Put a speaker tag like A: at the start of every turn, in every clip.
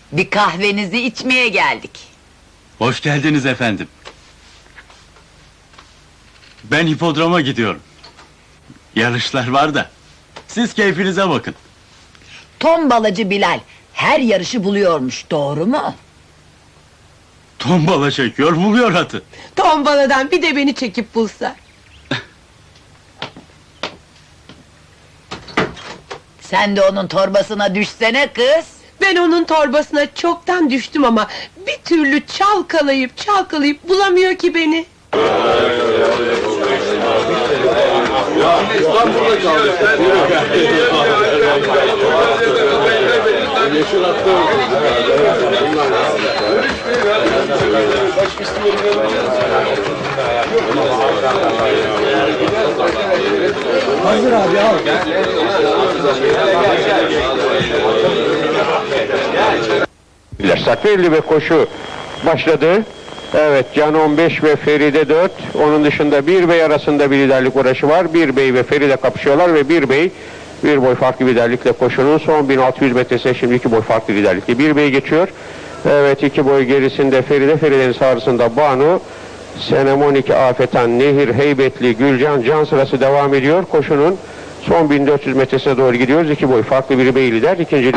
A: Bir kahvenizi içmeye geldik.
B: Hoş geldiniz efendim. Ben hipodroma gidiyorum. Yarışlar var da. Siz keyfinize bakın.
A: Tombalacı Bilal her yarışı buluyormuş, doğru mu?
B: Tombala çekiyor, buluyor atı.
C: Tombaladan bir de beni çekip bulsa.
A: Sen de onun torbasına düşsene kız.
C: Ben onun torbasına çoktan düştüm ama bir türlü çalkalayıp bulamıyor ki beni.
D: Hazır abi al.
E: Sakirli ve koşu başladı. Evet, Can 15 ve Feride 4. Onun dışında bir bey arasında bir liderlik uğraşı var. Bir bey ve Feride kapışıyorlar ve bir bey bir boy farklı liderlikle koşunun son 1600 metresi şimdi 2 boy farklı liderlikle bir bey geçiyor. Evet, 2 boy gerisinde Feride, Feride'nin sağrısında Banu, Senemonik, Afetan, Nehir, Heybetli, Gülcan, Can sırası devam ediyor. Koşunun son 1400 metresine doğru gidiyoruz. 2 boy farklı bir bey lider, ikinci.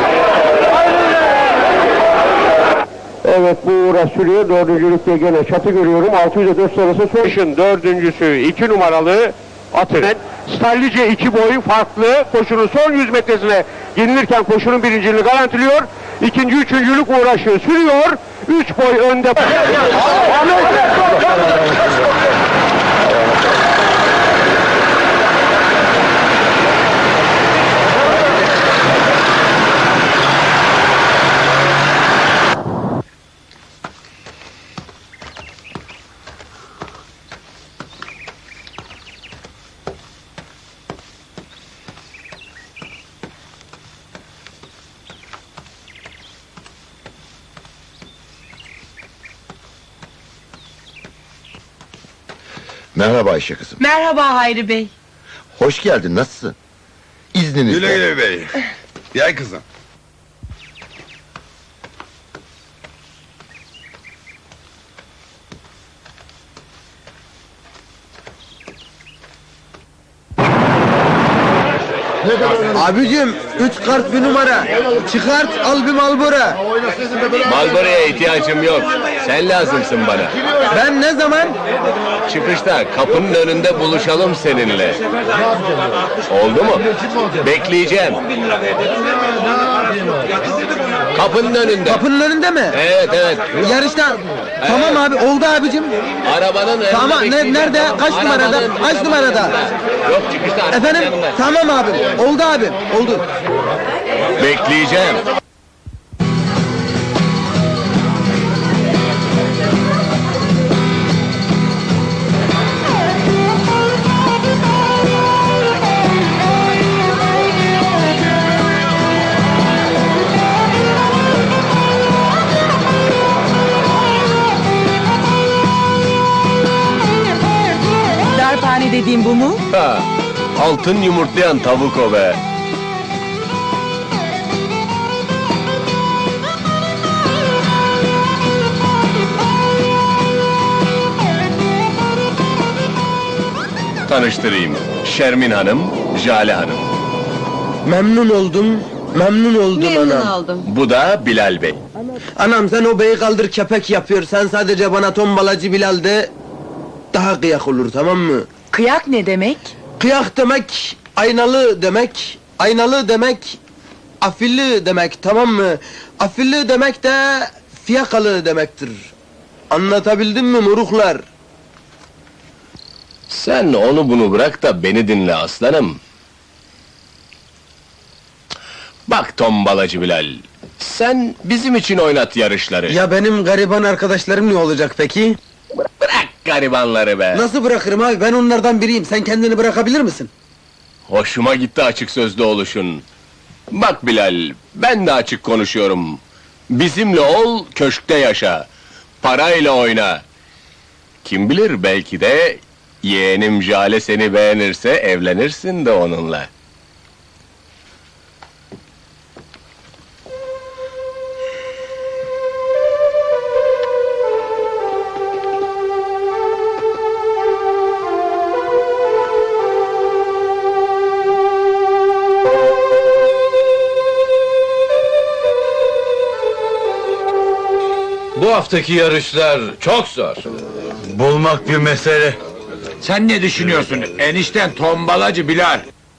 E: Evet, bu uğraş sürüyor. Dördüncülükte gene çatı görüyorum. 604 sırası Soş'un dördüncüsü 2 numaralı atı. Stallice 2 boy farklı. Koşunun son 100 metresine yenilirken koşunun birinciliğini garantiliyor. İkinci, üçüncülük uğraşı sürüyor. 3 boy önde.
F: Merhaba Ayşe kızım.
C: Merhaba Hayri Bey.
F: Hoş geldin, nasılsın? İzninizle.
G: Güle güle bey. Gel kızım.
D: Abicim 3 kart bir numara. Çıkart al bir Malbora.
H: Malboro'ya ihtiyacım yok. Sen lazımsın bana.
D: Ben ne zaman?
H: Çıkışta kapının önünde buluşalım seninle. Oldu mu? Bekleyeceğim. Kapının önünde.
D: Kapının önünde mi?
H: Evet evet.
D: Yarışta. Tamam abi oldu abicim.
H: Arabanın önünde
D: Tamam
H: bekleyeceğim.
D: nerede? Kaç numarada?
H: Arabanın
D: Kaç numarada?
H: Yok çıkışta arabanın
D: Efendim?
H: yanında.
D: Tamam abim. Oldu abim. Oldu.
H: Bekleyeceğim.
C: Darphane dediğim bu mu?
H: Ha, altın yumurtlayan tavuk o be. Tanıştırayım. Şermin Hanım, Jale Hanım.
D: Memnun oldum. Memnun oldum anam.
C: oldum.
H: Bu da Bilal Bey.
D: Anam sen o beyi kaldır kepek yapıyor. Sen sadece bana tombalacı Bilal de daha kıyak olur, tamam mı?
C: Kıyak ne demek?
D: Kıyak demek aynalı demek. Aynalı demek afilli demek, tamam mı? Afilli demek de fiyakalı demektir. Anlatabildim mi moruklar?
H: Sen onu bunu bırak da beni dinle aslanım. Bak tombalacı Bilal, sen bizim için oynat yarışları.
D: Ya benim gariban arkadaşlarım ne olacak peki?
H: Bırak garibanları be!
D: Nasıl bırakırım abi? Ben onlardan biriyim. Sen kendini bırakabilir misin?
H: Hoşuma gitti açık sözlü oluşun. Bak Bilal, ben de açık konuşuyorum. Bizimle ol, köşkte yaşa. Parayla oyna. Kim bilir, belki de yeğenim Jale seni beğenirse evlenirsin de onunla.
I: Bu haftaki yarışlar çok zor.
B: Bulmak bir mesele.
I: Sen ne düşünüyorsun? Enişten tombalacı Bilal.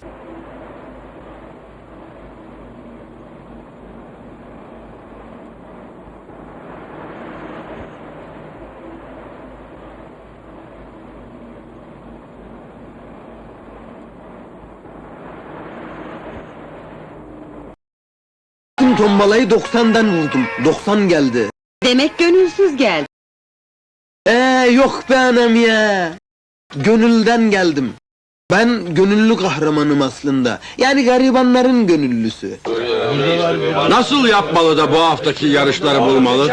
D: Tüm tombalayı 90'dan vurdum. 90 geldi.
A: Demek gönülsüz geldi.
D: Yok be anam ya. Gönülden geldim. Ben gönüllü kahramanım aslında. Yani garibanların gönüllüsü.
I: Nasıl yapmalı da bu haftaki yarışları bulmalı?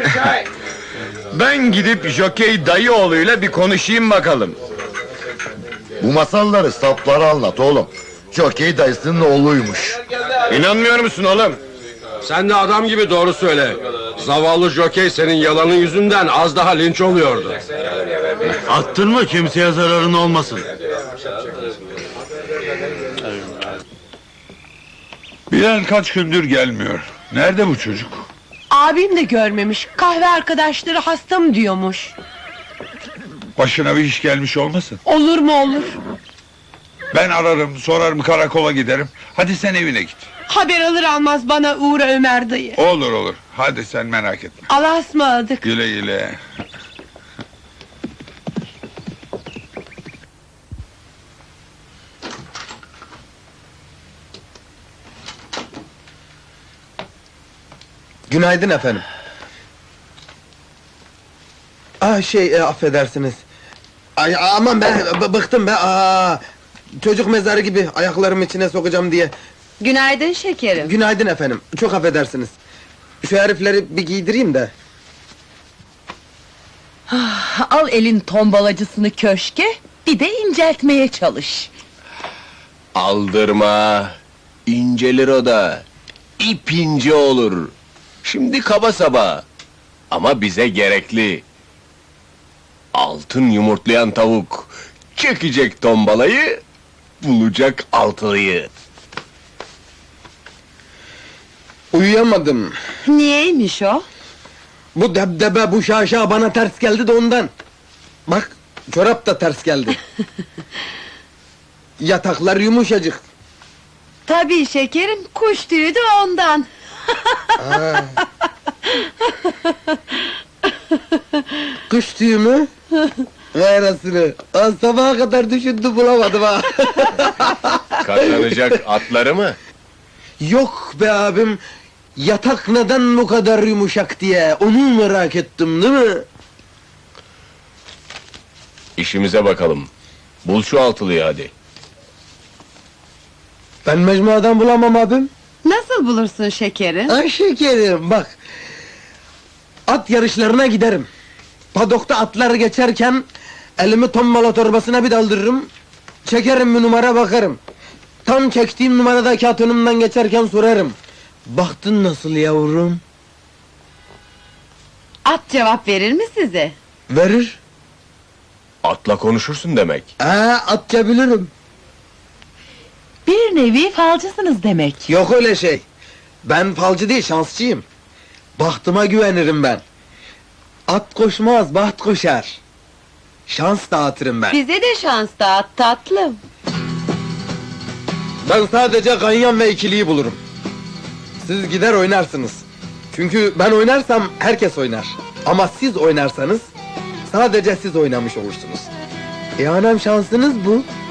H: Ben gidip Jokey Dayıoğlu'yla bir konuşayım bakalım.
F: Bu masalları saplara anlat oğlum. Jokey dayısının oğluymuş.
H: İnanmıyor musun oğlum?
I: Sen de adam gibi doğru söyle. Zavallı jokey senin yalanın yüzünden az daha linç oluyordu.
B: Attırma, kimseye zararın olmasın.
G: Bilal kaç gündür gelmiyor. Nerede bu çocuk?
C: Abim de görmemiş. Kahve arkadaşları hastam diyormuş.
G: Başına bir iş gelmiş olmasın?
C: Olur mu olur.
G: Ben ararım, sorarım, karakola giderim. Hadi sen evine git.
C: Haber alır almaz bana uğra Ömer dayı.
G: Olur olur. Hadi sen merak etme.
C: Allah'a ısmarladık.
G: Güle güle.
D: Günaydın efendim. Affedersiniz. Ay aman be, bıktım be. Çocuk mezarı gibi ayaklarımı içine sokacağım diye.
A: Günaydın şekerim.
D: Günaydın efendim. Çok affedersiniz. Şu herifleri bir giydireyim de.
A: Al elin tombalacısını köşke, bir de inceltmeye çalış.
H: Aldırma. İncelir o da. İp ince olur. Şimdi kaba saba. Ama bize gerekli. Altın yumurtlayan tavuk. Çekecek tombalayı, bulacak altılıyı.
D: Uyuyamadım.
A: Niyeymiş o?
D: Bu debdebe, bu şaşa bana ters geldi de ondan. Bak, çorap da ters geldi. Yataklar yumuşacık.
A: Tabii şekerim, kuş tüyü de ondan.
D: Kış tüyü mü? Vay anasını. Sabaha kadar düşündüm, bulamadım ha.
H: Katlanacak atları mı?
D: Yok be abim. Yatak neden bu kadar yumuşak diye, onu merak ettim değil mi?
H: İşimize bakalım. Bul şu altılıyı hadi.
D: Ben mecmuadan bulamam abim.
A: Nasıl bulursun şekerim?
D: Ay şekerim bak. At yarışlarına giderim. Padokta atlar geçerken elimi tombala torbasına bir daldırırım. Çekerim bir numara bakarım. Tam çektiğim numaradaki at önümden geçerken sorarım. Baktın nasıl yavrum?
A: At cevap verir mi size?
D: Verir.
H: Atla konuşursun demek.
D: Atça bilirim.
A: Bir nevi falcısınız demek.
D: Yok öyle şey. Ben falcı değil, şansçıyım. Bahtıma güvenirim ben. At koşmaz, baht koşar. Şans dağıtırım ben.
A: Bize de şans dağıt tatlım.
D: Ben sadece ganyan ve ikiliyi bulurum. Siz gider oynarsınız. Çünkü ben oynarsam herkes oynar. Ama siz oynarsanız sadece siz oynamış olursunuz. Anam şansınız bu.